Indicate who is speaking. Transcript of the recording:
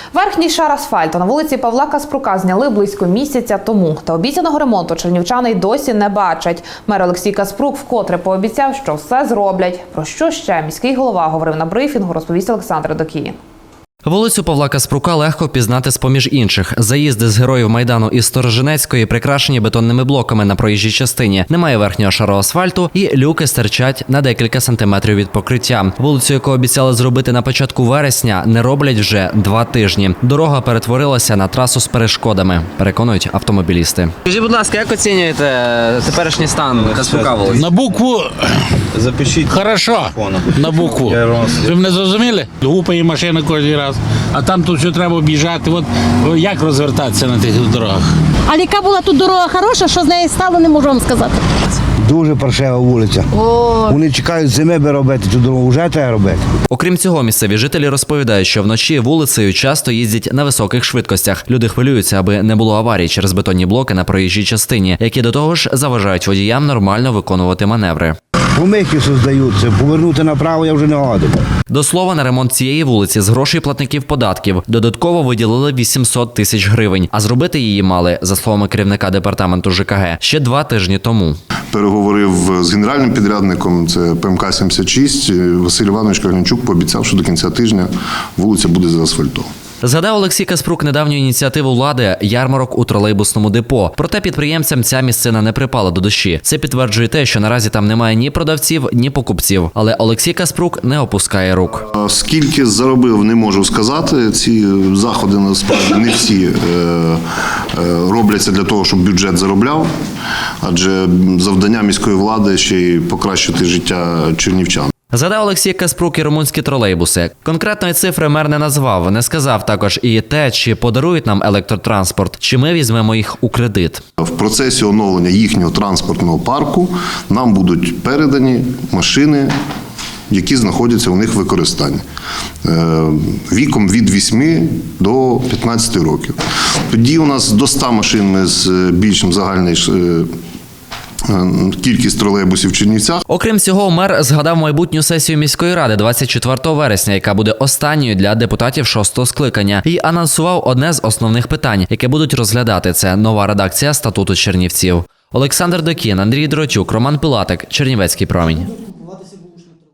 Speaker 1: Верхній шар асфальту на вулиці Павла Каспрука зняли близько місяця тому. Та обіцяного ремонту чернівчани й досі не бачать. Мер Олексій Каспрук вкотре пообіцяв, що все зроблять. Про що ще міський голова говорив на брифінгу, розповість Олександр Докій.
Speaker 2: Вулицю Павла Каспрука легко впізнати з-поміж інших. Заїзди з Героїв Майдану із Сторожинецької прикрашені бетонними блоками на проїжджій частині. Немає верхнього шару асфальту і люки стирчать на декілька сантиметрів від покриття. Вулицю, яку обіцяли зробити на початку вересня, не роблять вже 2 тижні. Дорога перетворилася на трасу з перешкодами, переконують автомобілісти.
Speaker 3: Скажіть, будь ласка, як оцінюєте теперішній стан Каспрука вулиці?
Speaker 4: На букву
Speaker 5: Запишіть.
Speaker 4: хорошо, на букву. Ви мене зрозуміли? Гупає машина кожен раз, а там тут все треба об'їжджати. От як розвертатися на тих дорогах?
Speaker 6: А яка була тут дорога хороша, що з неї стало, не можу вам сказати.
Speaker 7: Дуже паршива вулиця. Вони чекають зими, аби робити цю дорогу, вже треба робити.
Speaker 2: Окрім цього, місцеві жителі розповідають, що вночі вулицею часто їздять на високих швидкостях. Люди хвилюються, аби не було аварій через бетонні блоки на проїжджій частині, які до того ж заважають водіям нормально виконувати маневри.
Speaker 7: Помийки создаються, повернути направо я вже не годен.
Speaker 2: До слова, на ремонт цієї вулиці з грошей платників податків додатково виділили 800 тисяч гривень, а зробити її мали, за словами керівника департаменту ЖКГ, ще 2 тижні тому.
Speaker 8: Переговорив з генеральним підрядником, це ПМК-76, Василь Іванович Каглянчук пообіцяв, що до кінця тижня вулиця буде заасфальтована.
Speaker 2: Згадав Олексій Каспрук недавню ініціативу влади – ярмарок у тролейбусному депо. Проте підприємцям ця місцина не припала до душі. Це підтверджує те, що наразі там немає ні продавців, ні покупців. Але Олексій Каспрук не опускає рук.
Speaker 8: Скільки заробив, не можу сказати. Ці заходи, насправді, не всі робляться для того, щоб бюджет заробляв. Адже завдання міської влади ще й покращити життя чернівчан.
Speaker 2: Згадав Олексій Каспрук і румунські тролейбуси. Конкретної цифри мер не назвав. Не сказав також і те, чи подарують нам електротранспорт, чи ми візьмемо їх у кредит.
Speaker 8: В процесі оновлення їхнього транспортного парку нам будуть передані машини, які знаходяться у них в використанні, віком від 8 до 15 років. Тоді у нас до 100 машин збільшимо загальний кількість тролейбусів в Чернівцях.
Speaker 2: Окрім цього, мер згадав майбутню сесію міської ради 24 вересня, яка буде останньою для депутатів 6-го скликання, і анонсував одне з основних питань, яке будуть розглядати – це нова редакція статуту Чернівців. Олександр Докій, Андрій Дротюк, Роман Пилатик, Чернівецький промінь.